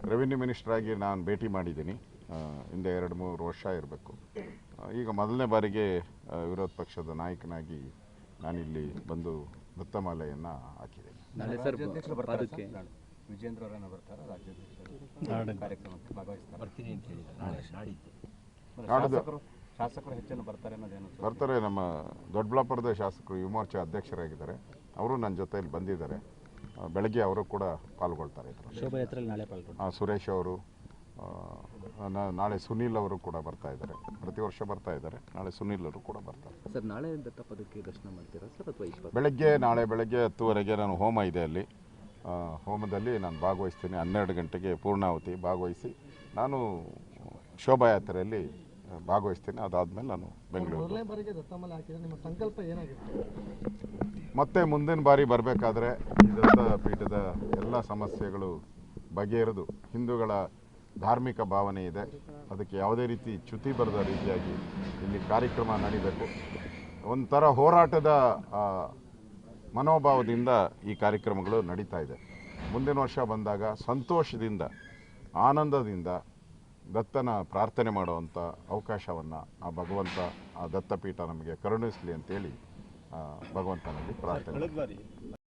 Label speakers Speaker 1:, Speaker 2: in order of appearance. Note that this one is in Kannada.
Speaker 1: ರೆವಿನ್ಯೂ ಮಿನಿಸ್ಟ್ರಾಗಿ ನಾನು ಭೇಟಿ ಮಾಡಿದ್ದೀನಿ. ಹಿಂದೆ 2-3 ವರ್ಷ ಇರಬೇಕು. ಈಗ ಮೊದಲನೇ ಬಾರಿಗೆ ವಿರೋಧ ಪಕ್ಷದ ನಾಯಕನಾಗಿ ನಾನಿಲ್ಲಿ ಬಂದು ದತ್ತಮಾಲೆಯನ್ನು ಹಾಕಿದ್ದೇನೆ.
Speaker 2: ವಿಜೇಂದ್ರ ಅವರನ್ನು ಬರ್ತಾರೆ, ರಾಜ್ಯಾಧ್ಯಕ್ಷರು ಕಾರ್ಯಕ್ರಮಕ್ಕೆ ಭಾಗವಹಿಸ್ತಾರೆ, ಬರ್ತೀನಿ ಅಂತ ಹೇಳಿದ್ದಾರೆ. ಶಾಸಕರು ಹೆಚ್ಚನ್ನು ಬರ್ತಾರೆ ಅನ್ನೋದೇನು?
Speaker 1: ಬರ್ತಾರೆ. ನಮ್ಮ ದೊಡ್ಡಬಳ್ಳಾಪುರದ ಶಾಸಕರು ಯುವ ಮೋರ್ಚಾ ಅಧ್ಯಕ್ಷರಾಗಿದ್ದಾರೆ, ಅವರು ನನ್ನ ಜೊತೆಯಲ್ಲಿ ಬಂದಿದ್ದಾರೆ. ಬೆಳಗ್ಗೆ ಅವರು ಕೂಡ ಪಾಲ್ಗೊಳ್ತಾರೆ.
Speaker 2: ಶೋಭಾಯಾತ್ರೆಯಲ್ಲಿ ನಾಳೆ ಪಾಲ್ಗೊಳ್ತಾರೆ.
Speaker 1: ಸುರೇಶ್ ಅವರು, ನಾಳೆ ಸುನೀಲ್ ಅವರು ಕೂಡ ಬರ್ತಾ ಇದ್ದಾರೆ. ಪ್ರತಿ ವರ್ಷ ಬರ್ತಾ ಇದ್ದಾರೆ. ನಾಳೆ ಸುನೀಲ್ ಅವರು ಕೂಡ ಬರ್ತಾರೆ.
Speaker 2: ಸರ್, ನಾಳೆ ದತ್ತಪದಕ್ಕೆ ದರ್ಶನ ಮಾಡ್ತೀರಾ ಸರ್ ಅಥವಾ
Speaker 1: ನಾಳೆ ಬೆಳಗ್ಗೆ 10:30ಗೆ ನಾನು ಹೋಮ ಇದೆ, ಅಲ್ಲಿ ಹೋಮದಲ್ಲಿ ನಾನು ಭಾಗವಹಿಸ್ತೀನಿ. 12 ಗಂಟೆಗೆ ಪೂರ್ಣಾಹುತಿ ಭಾಗವಹಿಸಿ ನಾನು ಶೋಭಾಯಾತ್ರೆಯಲ್ಲಿ ಭಾಗವಹಿಸ್ತೀನಿ. ಅದಾದಮೇಲೆ ನಾನು ಬೆಂಗಳೂರು. ಮತ್ತೆ ಮುಂದಿನ ಬಾರಿ ಬರಬೇಕಾದ್ರೆ ಈ ದತ್ತಪೀಠದ ಎಲ್ಲ ಸಮಸ್ಯೆಗಳು ಬಗೆಹರಿದು, ಹಿಂದೂಗಳ ಧಾರ್ಮಿಕ ಭಾವನೆ ಇದೆ, ಅದಕ್ಕೆ ಯಾವುದೇ ರೀತಿ ಚ್ಯುತಿ ಬರದ ರೀತಿಯಾಗಿ ಇಲ್ಲಿ ಕಾರ್ಯಕ್ರಮ ನಡೀಬೇಕು. ಒಂಥರ ಹೋರಾಟದ ಮನೋಭಾವದಿಂದ ಈ ಕಾರ್ಯಕ್ರಮಗಳು ನಡೀತಾ ಇದೆ. ಮುಂದಿನ ವರ್ಷ ಬಂದಾಗ ಸಂತೋಷದಿಂದ, ಆನಂದದಿಂದ ದತ್ತನ ಪ್ರಾರ್ಥನೆ ಮಾಡುವಂಥ ಅವಕಾಶವನ್ನು ಆ ಭಗವಂತ, ಆ ದತ್ತಪೀಠ ನಮಗೆ ಕರುಣಿಸಲಿ ಅಂತೇಳಿ ಭಗವಂತನಲ್ಲಿ ಪ್ರಾರ್ಥನೆ.